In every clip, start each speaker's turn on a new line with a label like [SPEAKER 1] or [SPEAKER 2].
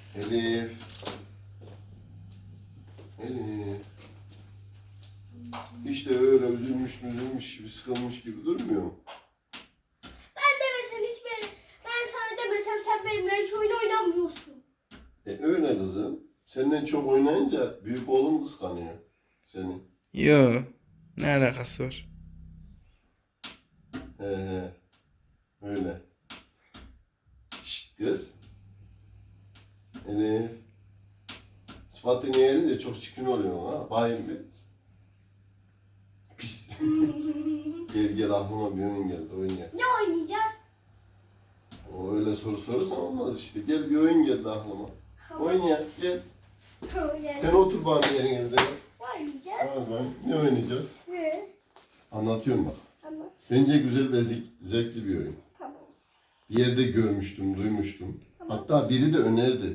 [SPEAKER 1] Elif. Elif. Hiç de öyle üzülmüş gibi, sıkılmış gibi durmuyor mu?
[SPEAKER 2] Ben demesem hiç ben sana demesem sen benimle hiç oyun oynamıyorsun.
[SPEAKER 1] Öyle kızım. Senden çok oynayınca büyük oğlum kıskanıyor seni.
[SPEAKER 3] Yo. Ne alakası var?
[SPEAKER 1] He. Öyle. Şşt kız. Elif. Sıfatını yerince çok çirkin oluyor ha. Bayım bir. Pis. Gel aklıma bir oyun geldi. Oyun gel.
[SPEAKER 2] Ne oynayacağız?
[SPEAKER 1] O öyle soru sorursan olmaz işte. Gel bir oyun geldi aklıma. Oyun ya. Gel. Sen otur bana yerin evde.
[SPEAKER 2] Ne oynayacağız?
[SPEAKER 1] Tamam. Ne oynayacağız?
[SPEAKER 2] Ne?
[SPEAKER 1] Anlatıyorum bak.
[SPEAKER 2] Anlat.
[SPEAKER 1] Bence güzel ve zevkli bir oyun.
[SPEAKER 2] Tamam.
[SPEAKER 1] Bir yerde görmüştüm, duymuştum. Hatta biri de önerdi.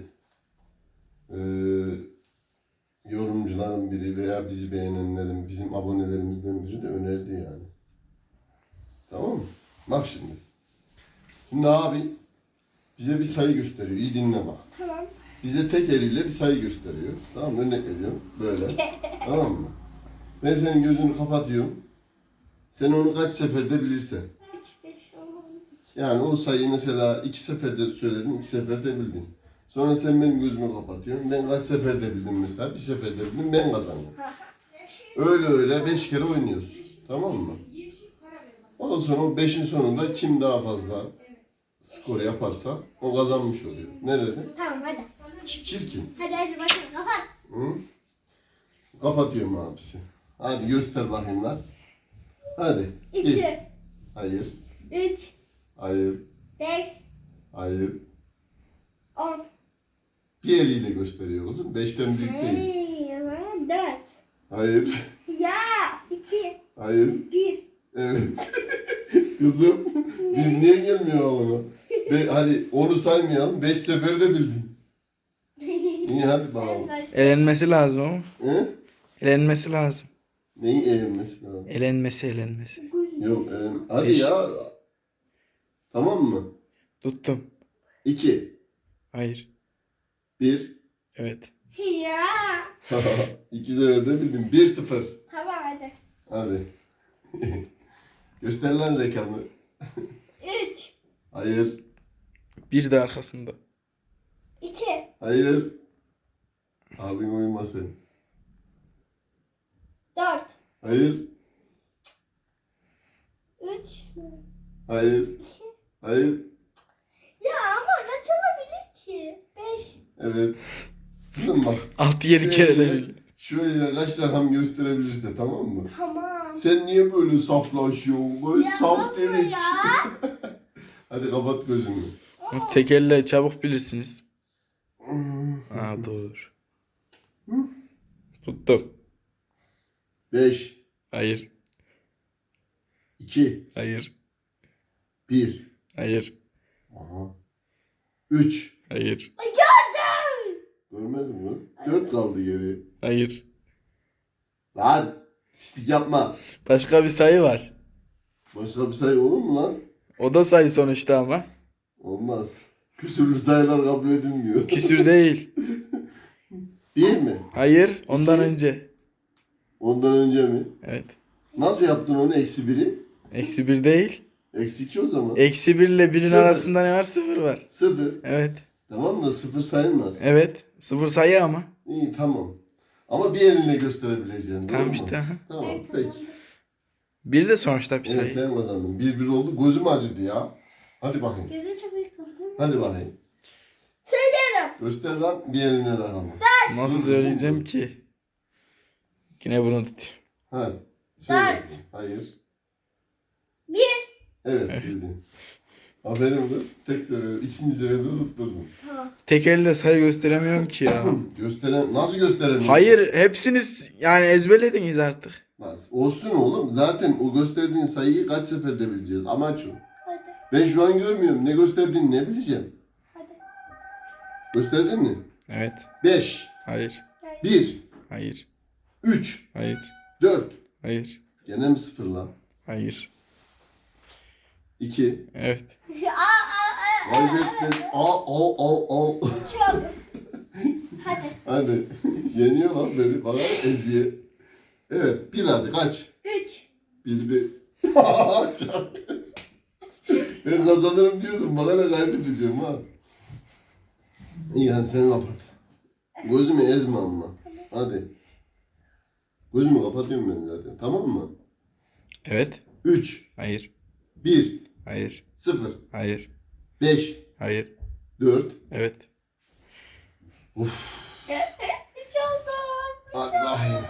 [SPEAKER 1] Yorumcuların biri veya bizi beğenenlerin, bizim abonelerimizden biri de önerdi yani. Tamam mı? Bak şimdi. Şimdi abi bize bir sayı gösteriyor. İyi dinle bak.
[SPEAKER 2] Tamam.
[SPEAKER 1] Bize tek eliyle bir sayı gösteriyor. Tamam mı? Örnek veriyorum. Böyle. Tamam mı? Ben senin gözünü kapatıyorum. Sen onu kaç seferde bilirsen.
[SPEAKER 2] 3, 5, 10,
[SPEAKER 1] Yani o sayıyı mesela 2 seferde söyledin, 2 seferde bildin. Sonra sen benim gözümü kapatıyorsun. Ben kaç seferde bildim mesela? Bir seferde bildim, ben kazanıyorum. Öyle 5 kere oynuyoruz. Tamam mı? Ondan sonra o 5'in sonunda kim daha fazla skor yaparsa o kazanmış oluyor. Ne dedin?
[SPEAKER 2] Tamam hadi.
[SPEAKER 1] Çirkin.
[SPEAKER 2] Hadi başlayalım kapat.
[SPEAKER 1] Hı? Kapatıyorum abisi. Hadi göster bakayım lan. Hadi.
[SPEAKER 2] 2,
[SPEAKER 1] Hayır.
[SPEAKER 2] 3,
[SPEAKER 1] Hayır.
[SPEAKER 2] 5,
[SPEAKER 1] Hayır.
[SPEAKER 2] 10.
[SPEAKER 1] Bir eliyle gösteriyor kızım. 5'ten büyük değil.
[SPEAKER 2] 4.
[SPEAKER 1] Hayır.
[SPEAKER 2] Ya 2,
[SPEAKER 1] Hayır.
[SPEAKER 2] 1.
[SPEAKER 1] Evet. Kızım. Bir niye gelmiyor oğluna? Hadi onu saymayalım. 5 seferde bildin. İyi hadi bakalım.
[SPEAKER 3] Elenmesi lazım ama.
[SPEAKER 1] He?
[SPEAKER 3] Elenmesi lazım.
[SPEAKER 1] Neyi eğilmesi lazım?
[SPEAKER 3] Elenmesi.
[SPEAKER 1] Yok hadi
[SPEAKER 3] Beş.
[SPEAKER 1] ya. Tamam mı?
[SPEAKER 3] Tuttum.
[SPEAKER 1] 2.
[SPEAKER 3] Hayır.
[SPEAKER 1] 1.
[SPEAKER 3] Evet.
[SPEAKER 2] Ya.
[SPEAKER 1] 2 seferde bildin. 1-0.
[SPEAKER 2] Tamam hadi.
[SPEAKER 1] Hadi. Göster lan rakamı.
[SPEAKER 2] 3,
[SPEAKER 1] Hayır.
[SPEAKER 3] Bir de arkasında.
[SPEAKER 2] 2,
[SPEAKER 1] Hayır. Abin uyumasın.
[SPEAKER 2] 4,
[SPEAKER 1] Hayır.
[SPEAKER 2] 3.
[SPEAKER 1] Hayır. Hayır.
[SPEAKER 2] Ya ama kaç olabilir ki? 5.
[SPEAKER 1] Evet. Kızım bak.
[SPEAKER 3] 6-7 kere de bildi.
[SPEAKER 1] Şöyle kaç rakam gösterebilirse tamam mı?
[SPEAKER 2] Tamam.
[SPEAKER 1] Sen niye böyle saflaşıyorsun? Böyle
[SPEAKER 2] Ya
[SPEAKER 1] saf
[SPEAKER 2] baba
[SPEAKER 1] derik.
[SPEAKER 2] ya.
[SPEAKER 1] Hadi kapat gözünü.
[SPEAKER 3] Ama tek elle çabuk bilirsiniz. Aa doğru. Tuttum.
[SPEAKER 1] 5,
[SPEAKER 3] Hayır.
[SPEAKER 1] 2,
[SPEAKER 3] Hayır.
[SPEAKER 1] 1.
[SPEAKER 3] Hayır.
[SPEAKER 1] Aha. 3.
[SPEAKER 3] Hayır.
[SPEAKER 2] Gördüm.
[SPEAKER 1] Görmedin mi? 4 kaldı geri.
[SPEAKER 3] Hayır.
[SPEAKER 1] Lan. Pislik yapma.
[SPEAKER 3] Başka bir sayı var.
[SPEAKER 1] Başka bir sayı olur mu lan?
[SPEAKER 3] O da sayı sonuçta ama.
[SPEAKER 1] Olmaz. Küsürlü sayılar kabul edilmiyor.
[SPEAKER 3] Küsür değil.
[SPEAKER 1] 1 mi?
[SPEAKER 3] Hayır. Ondan önce.
[SPEAKER 1] Ondan önce mi?
[SPEAKER 3] Evet.
[SPEAKER 1] Nasıl yaptın onu? -1'i?
[SPEAKER 3] -1 değil.
[SPEAKER 1] -2 o zaman.
[SPEAKER 3] -1 ile 1'in
[SPEAKER 1] Sıfır.
[SPEAKER 3] arasında ne var? 0 var.
[SPEAKER 1] 0.
[SPEAKER 3] Evet.
[SPEAKER 1] Tamam da 0 sayılmaz.
[SPEAKER 3] Evet. 0 sayı ama.
[SPEAKER 1] İyi tamam. Ama bir elinle gösterebileceğim.
[SPEAKER 3] Tamam
[SPEAKER 1] doğru mu?
[SPEAKER 3] işte. Aha.
[SPEAKER 1] Tamam peki.
[SPEAKER 3] 1 de sonuçta bir
[SPEAKER 1] Evet
[SPEAKER 3] sayı.
[SPEAKER 1] sen kazandın. 1-1 oldu. Gözüm acıdı ya. Hadi bakayım.
[SPEAKER 2] Gözü çok yıkıldı.
[SPEAKER 1] Hadi bakayım.
[SPEAKER 2] Söylüyorum.
[SPEAKER 1] Göster lan bir eline rakamı.
[SPEAKER 3] Nasıl söyleyeceğim ki? Yine bunu tut.
[SPEAKER 1] Hadi. Söyle.
[SPEAKER 2] 4.
[SPEAKER 1] Hayır.
[SPEAKER 2] 1.
[SPEAKER 1] Evet bildin. Aferin kız. Tek sefer, ikinci seferde tutturdun.
[SPEAKER 2] Tamam.
[SPEAKER 3] Tek elle sayı gösteremiyorum ki ya.
[SPEAKER 1] Nasıl gösteremiyorsun?
[SPEAKER 3] Hayır, hepsiniz yani ezberlediniz artık.
[SPEAKER 1] Nasıl? Olsun oğlum. Zaten o gösterdiğin sayıyı kaç seferde bileceğiz. Amaç o.
[SPEAKER 2] Hadi.
[SPEAKER 1] Ben şu an görmüyorum. Ne gösterdiğini ne bileceğim.
[SPEAKER 2] Hadi.
[SPEAKER 1] Gösterdin mi?
[SPEAKER 3] Evet.
[SPEAKER 1] 5,
[SPEAKER 3] Hayır.
[SPEAKER 1] 1,
[SPEAKER 3] Hayır.
[SPEAKER 1] 3,
[SPEAKER 3] Hayır.
[SPEAKER 1] 4.
[SPEAKER 3] Hayır.
[SPEAKER 1] Gene mi 0 lan?
[SPEAKER 3] Hayır.
[SPEAKER 1] 2.
[SPEAKER 3] Evet.
[SPEAKER 1] Kaybettin. Al.
[SPEAKER 2] 2 oldu.
[SPEAKER 1] Hadi. Yeniyor lan beni. Bana eziye. Evet. Bir hadi kaç.
[SPEAKER 2] 3.
[SPEAKER 1] Bildi. Ben kazanırım diyordum. Bana ne kaybedeceğim ha. İyi hadi sen kapat. Gözümü ezme ama. Hadi. Gözümü kapatıyorum ben zaten. Tamam mı?
[SPEAKER 3] Evet.
[SPEAKER 1] 3,
[SPEAKER 3] Hayır.
[SPEAKER 1] 1,
[SPEAKER 3] Hayır.
[SPEAKER 1] 0,
[SPEAKER 3] Hayır.
[SPEAKER 1] 5,
[SPEAKER 3] Hayır.
[SPEAKER 1] 4.
[SPEAKER 3] Evet.
[SPEAKER 1] Uf.
[SPEAKER 2] 3 oldum.
[SPEAKER 1] Hadi bakayım.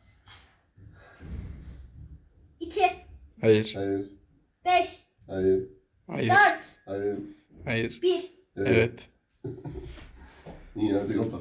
[SPEAKER 2] 2.
[SPEAKER 3] Hayır.
[SPEAKER 1] Hayır.
[SPEAKER 2] 5.
[SPEAKER 1] Hayır.
[SPEAKER 3] Hayır.
[SPEAKER 2] 4.
[SPEAKER 1] Hayır.
[SPEAKER 3] Hayır.
[SPEAKER 2] 1.
[SPEAKER 3] Evet.
[SPEAKER 1] İyi hadi kapat.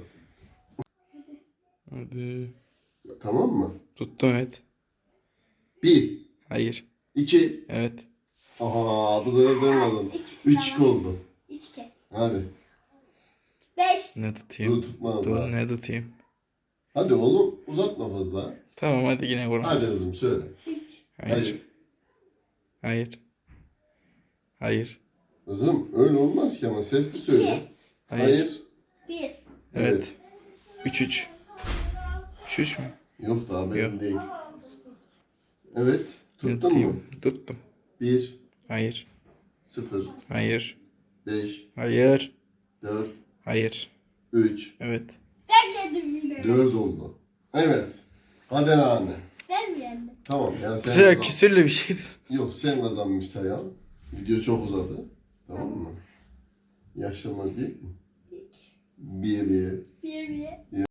[SPEAKER 3] Hadi.
[SPEAKER 1] Tamam mı?
[SPEAKER 3] Tuttum evet.
[SPEAKER 1] 1,
[SPEAKER 3] Hayır.
[SPEAKER 1] 2.
[SPEAKER 3] Evet.
[SPEAKER 1] Aha bu sefer ben aldım. 3-2 oldu.
[SPEAKER 2] 3 2.
[SPEAKER 1] Hadi.
[SPEAKER 2] 5.
[SPEAKER 3] Ne tutayım?
[SPEAKER 1] Dur tutma.
[SPEAKER 3] Dur
[SPEAKER 1] Dur.
[SPEAKER 3] ne tutayım?
[SPEAKER 1] Hadi oğlum uzatma fazla.
[SPEAKER 3] Tamam hadi yine vurma.
[SPEAKER 1] Hadi kızım söyle.
[SPEAKER 2] 3.
[SPEAKER 3] Hayır. Hayır. Hayır.
[SPEAKER 1] Kızım öyle olmaz ki ama sesli söyle.
[SPEAKER 3] Hayır.
[SPEAKER 1] Hayır.
[SPEAKER 2] 1.
[SPEAKER 3] Evet. 3-3. 3-3 mü?
[SPEAKER 1] Yok daha benim
[SPEAKER 3] Yok.
[SPEAKER 1] değil. Evet.
[SPEAKER 3] Ne
[SPEAKER 1] Tuttun mu?
[SPEAKER 3] tutayım? Tuttum.
[SPEAKER 1] 1,
[SPEAKER 3] Hayır.
[SPEAKER 1] 0,
[SPEAKER 3] Hayır.
[SPEAKER 1] 5,
[SPEAKER 3] Hayır.
[SPEAKER 1] 4,
[SPEAKER 3] Hayır.
[SPEAKER 1] 3,
[SPEAKER 3] Evet.
[SPEAKER 2] Ben geldim yine.
[SPEAKER 1] 4 oldu. Evet. Hadi anne.
[SPEAKER 2] Ben mi yendim?
[SPEAKER 1] Tamam yani
[SPEAKER 3] Bu
[SPEAKER 1] sen
[SPEAKER 3] sefer
[SPEAKER 1] kazan-
[SPEAKER 3] küsürlü bir şey.
[SPEAKER 1] Yok sen kazanmış sayalım. Video çok uzadı. Tamam mı? Yaşlanma değil mi? 1 1.
[SPEAKER 2] 1 1.